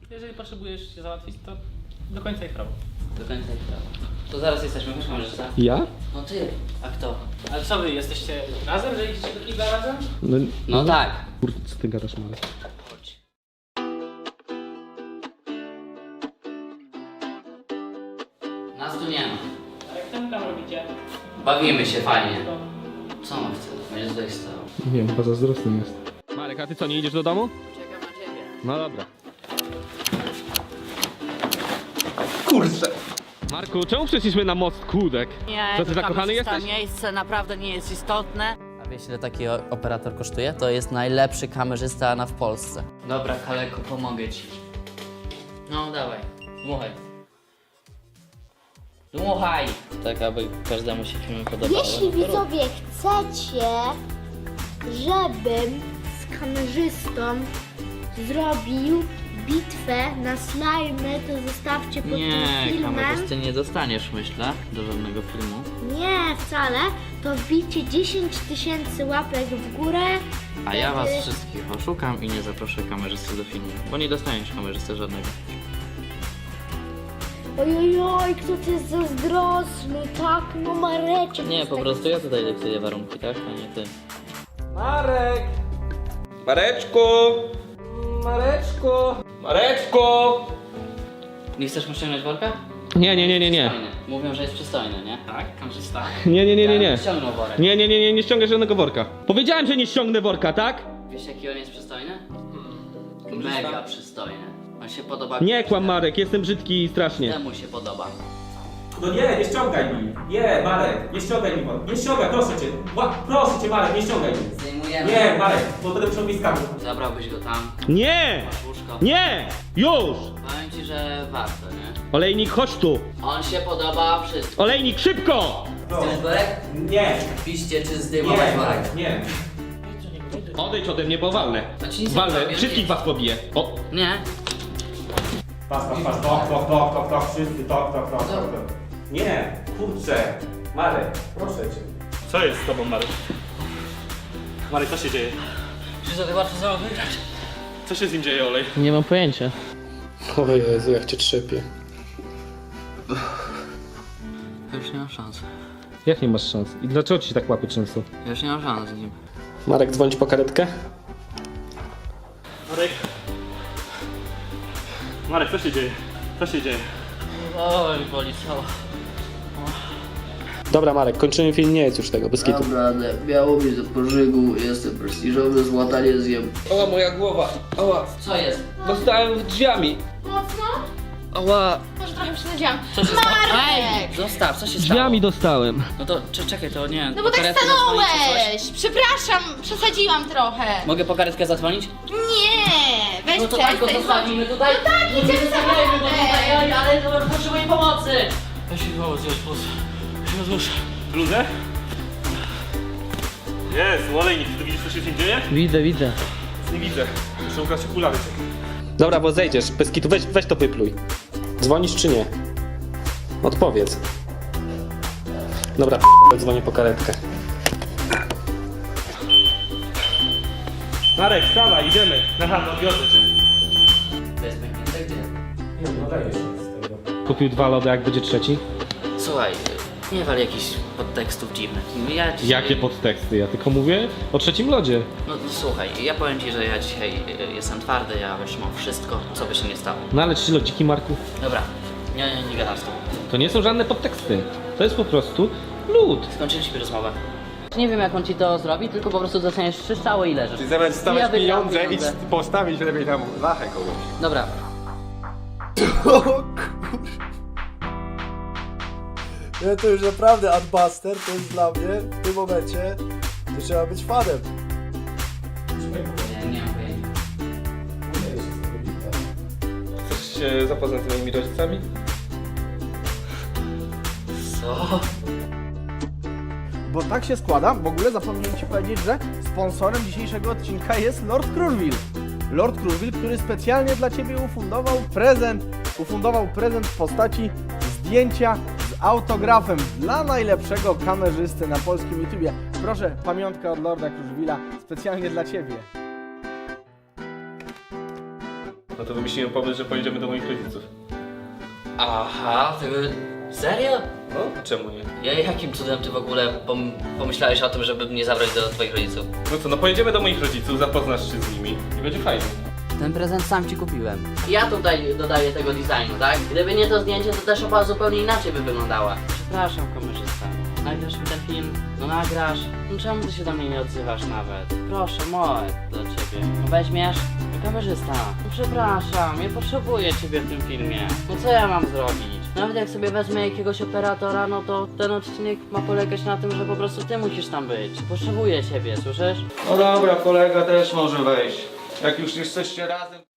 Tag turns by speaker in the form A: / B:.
A: Jeżeli potrzebujesz się załatwić, to do końca ich prawo.
B: Do końca ich prawo. To zaraz jesteśmy, wiesz, kamerzysta?
C: Ja?
B: No ty, a kto?
A: Ale co wy, jesteście razem, że idziecie do kibla razem?
B: No tak.
C: Kurde, co ty gadasz, Marek?
B: Chodź. Nas tu nie ma.
A: A jak tam robicie?
B: Bawimy się fajnie. Co on chce? Będzie tutaj stał.
C: Nie wiem, chyba zazdrosny jest. Marek, a ty co, nie idziesz do domu?
B: Czekam na ciebie.
C: No dobra. Kurczę. Marku, czemu przyszliśmy na most Kłódek?
D: Nie,
C: Co, ty zakochany jesteś?
D: miejsce naprawdę nie jest istotne.
B: A wiesz, ile taki operator kosztuje? To jest najlepszy kamerzysta w Polsce. Dobra, Kaleko, pomogę ci. No, dawaj. Dmuchaj. Dmuchaj! Tak, aby każdemu się film podobał.
E: Jeśli widzowie chcecie, żebym z kamerzystą zrobił bitwę na slajmy, to zostawcie pod tym
B: Nie,
E: filmem.
B: kamerzysty nie dostaniesz, myślę, do żadnego filmu.
E: Nie, wcale. To wbijcie 10 000 łapek w górę.
B: A ja was
E: Wtedy-
B: wszystkich oszukam i nie zaproszę kamerzysty do filmu, bo nie dostaniesz kamerzysty żadnego.
E: Ojojoj, kto to jest zazdrosny, tak? No Mareczek.
B: Nie,
E: jest
B: po
E: taki-
B: prostu ja tutaj dyktuję warunki, tak? A nie ty.
C: Marek! Mareczku! Mareczku! Mareczku!
B: Nie chcesz mu ściągnąć worka?
C: Nie.
B: Przystojny. Mówią, że jest przystojny, nie?
A: Tak, kamerzysta.
C: Nie.
B: Ściągnął worek.
C: Nie ściągaj żadnego worka. Powiedziałem, że nie ściągnę worka, tak?
B: Wiesz, jaki on jest przystojny? Mega przystojny. On się podoba.
C: Nie kłam, Marek, jestem brzydki strasznie.
B: Temu się podoba.
F: No nie ściągaj mi. Nie, Marek, nie ściągaj mi. Nie ściągaj, proszę cię. Proszę cię, Marek, nie ściągaj mi.
B: Zdejmujemy.
F: Nie, Marek, bo będę musiał mi skarbów.
B: Zabrałbyś go tam.
C: Nie!
B: Masz łóżko.
C: Nie! Już!
B: Powiem ci, że warto, nie?
C: Olejnik, chodź tu!
B: On się podoba wszystko.
C: Olejnik, szybko!
B: Zdjąć worek?
F: Nie,
B: Piście czy
F: nie,
B: zdejmować worek?
F: Marek, nie.
C: Odejdź ode mnie, bo walnę.
B: To ci nic nie
C: Walnę,
B: zrobię,
C: wszystkich
B: nie.
C: was pobiję. O,
B: Nie.
F: Pas, tok, wszyscy, tok. Nie, kurczę. Marek, proszę cię.
A: Co jest z tobą, Marek? Marek, co się dzieje?
B: Czy to tak łatwo samo wygrać?
A: Co się z nim dzieje, Olej?
B: Nie mam pojęcia.
C: o Jezu, jak cię trzepię.
B: Ja już nie mam szans.
C: Jak nie masz szans? I dlaczego ci się tak łapy często?
B: Ja już nie mam szans z nim.
C: Marek, dzwonić po karetkę?
A: Marek. Marek, co się dzieje? Co się dzieje?
B: Oj, boli cała.
C: Dobra, Marek, kończymy film, nie jest już tego, bez kitu.
B: Naprawdę, miało mi do pożygu, jestem prestiżowy, złota nie zjem.
C: Ała, moja głowa, ała,
B: Co jest?
C: dostałem drzwiami.
E: Mocno?
C: Ała,
E: Może trochę przesadziłam.
B: Co się stało?
E: Marek!
B: Ej, zostaw, co się stało?
C: drzwiami dostałem.
B: No to czekaj, to nie.
E: No bo tak
B: karetkę zadzwonić czy coś?
E: stanąłeś! Przepraszam, przesadziłam trochę.
B: Mogę po karetkę zadzwonić?
E: Nie! Weź
B: No to tak go
E: przestań.
B: zostawimy tutaj. No tak,
E: idziemy
B: nie zostawiajmy go
E: samochodem.
B: tutaj, ale potrzebuję pomocy. Weź mi pomoc, już
A: Bluzę? Jest, Olejnik, ty widzisz, co się z nim dzieje?
B: Widzę.
A: Nie widzę. Muszę ubrać okulary.
C: Dobra, bo zejdziesz, bez kitu, weź to wypluj. Dzwonisz czy nie? Odpowiedz. Dobra, dzwonię po karetkę.
A: Marek, wstawaj, idziemy. Na chatę, odwiozę cię.
B: To jest pęknięte gdzie?
F: Nie, no dajesz się z tego.
C: Kupił 2 lody, jak będzie trzeci?
B: Słuchaj, nie wal jakichś podtekstów dziwnych. Ja dzisiaj...
C: Jakie podteksty? Ja tylko mówię o trzecim lodzie.
B: No słuchaj, ja powiem ci, że ja dzisiaj jestem twardy, ja wytrzymam wszystko, co by się nie stało.
C: No ale 3 lodziki, Marku,
B: Dobra, nie gadam z tobą.
C: to nie są żadne podteksty. To jest po prostu lód.
B: Skończyliśmy rozmowę. Nie wiem jak on ci to zrobi, tylko po prostu dostaniesz 3 strzały i leżysz.
G: Czyli zamiast
B: Ja
G: stawiać
B: wygram
G: pieniądze,
B: pieniądze.
G: idź postawić lepiej tam lachę kogoś.
B: Dobra,
H: Ja to już naprawdę Adbuster, to jest dla mnie w tym momencie, to trzeba być fanem.
B: nie mam pojęcia.
C: Chcesz się zapoznać z moimi rodzicami?
B: Co?
I: Bo tak się składa, w ogóle zapomniałem Ci powiedzieć, że sponsorem dzisiejszego odcinka jest Lord Crurville. Lord Crurville, który specjalnie dla Ciebie ufundował prezent w postaci zdjęcia z autografem dla najlepszego kamerzysty na polskim YouTubie. Proszę, pamiątka od Lorda Crurville'a specjalnie dla Ciebie.
A: No to wymyśliłem pomysł, że pojedziemy do moich rodziców.
B: Aha, ty... Serio?
A: No, czemu nie?
B: Jakim cudem ty w ogóle pomyślałeś o tym, żeby mnie zabrać do twoich rodziców?
A: No co, no pojedziemy do moich rodziców, zapoznasz się z nimi i będzie fajnie.
B: Ten prezent sam ci kupiłem. Ja tutaj dodaję tego designu, tak? Gdyby nie to zdjęcie, to ta szopa zupełnie inaczej by wyglądała. Przepraszam, kamerzysta. Nagrasz mi ten film? No nagrasz. No czemu ty się do mnie nie odzywasz nawet? Proszę, Moek, do ciebie. No weźmiesz? No kamerzysta. No przepraszam, nie potrzebuję ciebie w tym filmie. No co ja mam zrobić? Nawet jak sobie wezmę jakiegoś operatora, no to ten odcinek ma polegać na tym, że po prostu ty musisz tam być. Potrzebuję ciebie, słyszysz?
G: No dobra, kolega też może wejść. Jak już jesteście razem...